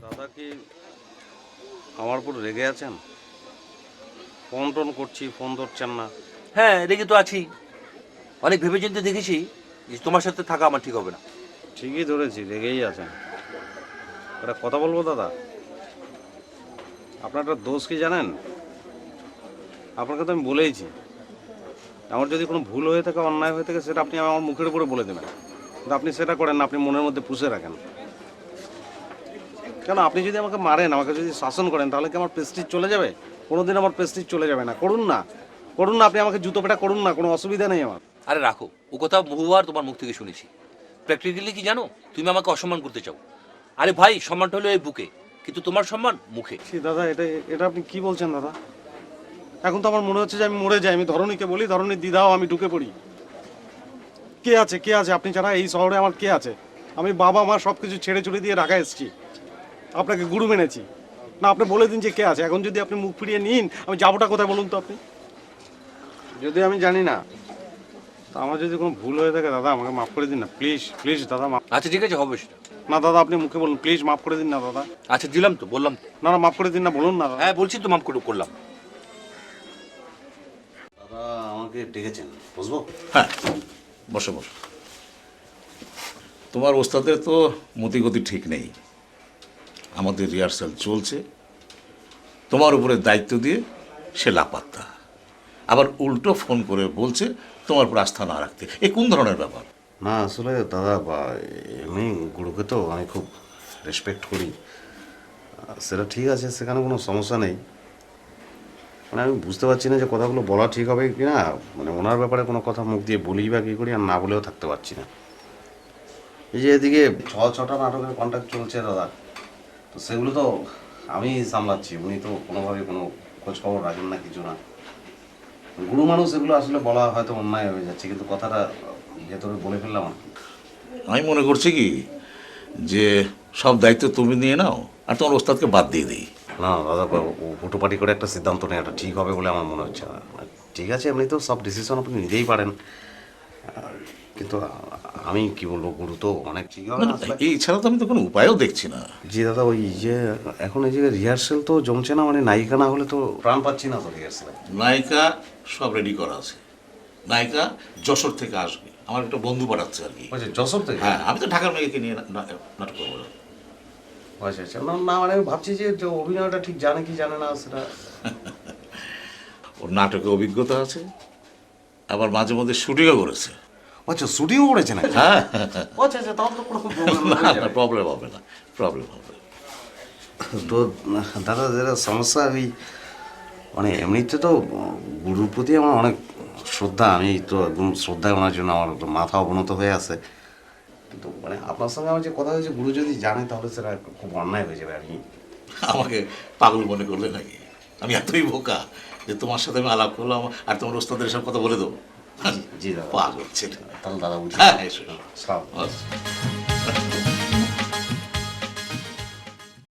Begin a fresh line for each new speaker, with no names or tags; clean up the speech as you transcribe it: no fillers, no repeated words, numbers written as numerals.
দাদা কি আমার উপর রেগে আছেন? ফোন টোন করছি, ফোন ধরছেন না।
হ্যাঁ, রেগে তো আছি। অনেক ভেবেচিন্তে দেখেছি যে তোমার সাথে থাকা আমার ঠিক হবে না।
ঠিকই ধরেছি, রেগেই আছেন। একটা কথা বলবো দাদা, আপনার একটা দোষ কি জানেন? আপনাকে তো আমি বলেইছি, আমার যদি কোনো ভুল হয়ে থাকে, অন্যায় হয়ে থাকে, সেটা আপনি আমার মুখের উপরে বলে দেবেন। কিন্তু আপনি সেটা করেন না, আপনি মনের মধ্যে পুষে রাখেন। কেন, আপনি যদি আমাকে মারেন, আমাকে যদি শাসন করেন, তাহলে কি আমার প্রেস্টিজ চলে যাবে? কোনোদিন আমার প্রেস্টিজ চলে যাবে না। করুন না, করুন না, আপনি আমাকে জুতো পেটা করুন না, কোনো অসুবিধা নেই আমার।
আরে রাখো, ও কথা বহুবার তোমার মুখ থেকে শুনেছি। প্র্যাকটিক্যালি কি জানো, তুমি আমাকে অসম্মান করতে চাও। আরে ভাই, সম্মানটা হলো এই বুকে, কিন্তু তোমার সম্মান মুখে।
সে দাদা, এটা এটা আপনি কি বলছেন দাদা? এখন তো আমার মনে হচ্ছে যে আমি মরে যাই। আমি ধরণীকে বলি, ধরণী দিদাও আমি ঢুকে পড়ি। কে আছে, কে আছে আপনি ছাড়া এই শহরে? আমার কে আছে? আমি বাবা মা সব কিছু ছেড়ে ছুড়ে দিয়ে ঢাকা এসেছি, আপনাকে গুরু মেনেছি। না, আপনি বলে দিন যে কে আছে। এখন যদি আপনি মুখ ফিরিয়ে নিন, আমি যাবোটা কোথায় বলুন তো আপনি? যদি আমি জানি না, তা আমার যদি কোনো ভুল হয়ে থাকে দাদা, আমাকে মাফ করে দিন না, প্লিজ প্লিজ দাদা, মাফ।
আচ্ছা ঠিক আছে, হবে সেটা।
না দাদা, আপনি মুখে বলুন, প্লিজ মাফ করে দিন না দাদা।
আচ্ছা দিলাম তো, বললাম তো।
না না, মাফ করে দিন না, বলুন না দাদা।
হ্যাঁ বলছি তো, মাফ করলাম।
দাদা আমাকে ডেকেছেন, বুঝবো?
হ্যাঁ, বসো বসো। তোমার ওস্তাদের তো মতিগতি ঠিক নেই। আমাদের রিহার্সাল চলছে, তোমার উপরে দায়িত্ব দিয়ে সে লাপাত্তা। আবার উল্টো ফোন করে বলছে তোমার উপর আস্থা না রাখতে। এ কোন ধরনের ব্যাপার?
না আসলে দাদা, এমনি গুরুকে তো আমি খুব রেসপেক্ট করি, সেটা ঠিক আছে, সেখানে কোনো সমস্যা নেই। মানে আমি বুঝতে পারছি না যে কথাগুলো বলা ঠিক হবে কি না। মানে ওনার ব্যাপারে কোনো কথা মুখ দিয়ে বলি বা কী করি, আর না বলেও থাকতে পারছি না। এই যে এদিকে ছটা নাটকের কন্ট্যাক্ট চলছে দাদা, তো সেগুলো তো আমি সামলাচ্ছি, উনি তো কোনোভাবে কোনো খোঁজ খবর রাখেন না, কিছু না। গুরু মানুষ, এগুলো আসলে বলা হয়তো অন্যায় হয়ে যাচ্ছে, কিন্তু কথাটা ভেতরে বলে ফেললাম আর কি।
আমি মনে করছি কি, যে সব দায়িত্ব তুমি নিয়ে নাও আর তোমার ওস্তাদকে বাদ দিয়ে দিই।
না দাদা, হুটোপাটি করে একটা সিদ্ধান্ত নেওয়াটা ঠিক হবে বলে আমার মনে হচ্ছে না। ঠিক আছে, এমনি তো সব ডিসিশন আপনি নিতেই পারেন, কিন্তু আমি কি বলবো, গুরু তো অনেক ঠিক হবে না আসলে।
এই ছাড়া তো আমি তো কোনো উপায়ও দেখছি না।
জি দাদা, ওই যে এখন এই যে রিহার্সেল তো জমছে না, মানে নায়িকা না হলে তো প্রাণ পাচ্ছি না তো রিহার্সেলে।
নায়িকা সব রেডি করা আছে। নায়িকা যশোর থেকে আসবে, আমার একটা বন্ধু পাঠাচ্ছে আর কি।
আচ্ছা, যশোর থেকে?
হ্যাঁ, আমি তো ঢাকার মেয়েকে নিয়ে নাটক করবো না।
আচ্ছা আচ্ছা, না না, মানে আমি ভাবছি যে যে অভিনয়টা ঠিক জানে কি জানে না সেটা।
ওর নাটকে অভিজ্ঞতা আছে, আবার মাঝে মধ্যে শুটিংও করেছে।
আচ্ছা, শুটিংও করেছে না?
হ্যাঁ,
আচ্ছা আচ্ছা, তাহলে তো কোনো প্রবলেম
না, প্রবলেম হবে না, প্রবলেম হবে না।
তো দাদা, যেটা সমস্যা, ওই মানে এমনিতে তো গুরুর প্রতি আমার অনেক শ্রদ্ধা, আমি তো একদম শ্রদ্ধায় ওনার জন্য আমার একটু মাথা অবনত হয়ে আছে। কিন্তু মানে আপনার সঙ্গে আমার যে কথা হয়েছে, গুরু যদি জানে তাহলে সেটা খুব অন্যায় হয়ে যাবে আর কি।
আমাকে পাগল মনে করলে নাকি? আমি এতই বোকা যে তোমার সাথে আমি আলাপ করলাম আর তোমার ওস্তাদের সব কথা বলে দেবো?
জি দাদা।
পাগল ছেলে।
তাহলে দাদা বুঝি।
হ্যাঁ, এসো।
সালাম।
আচ্ছা।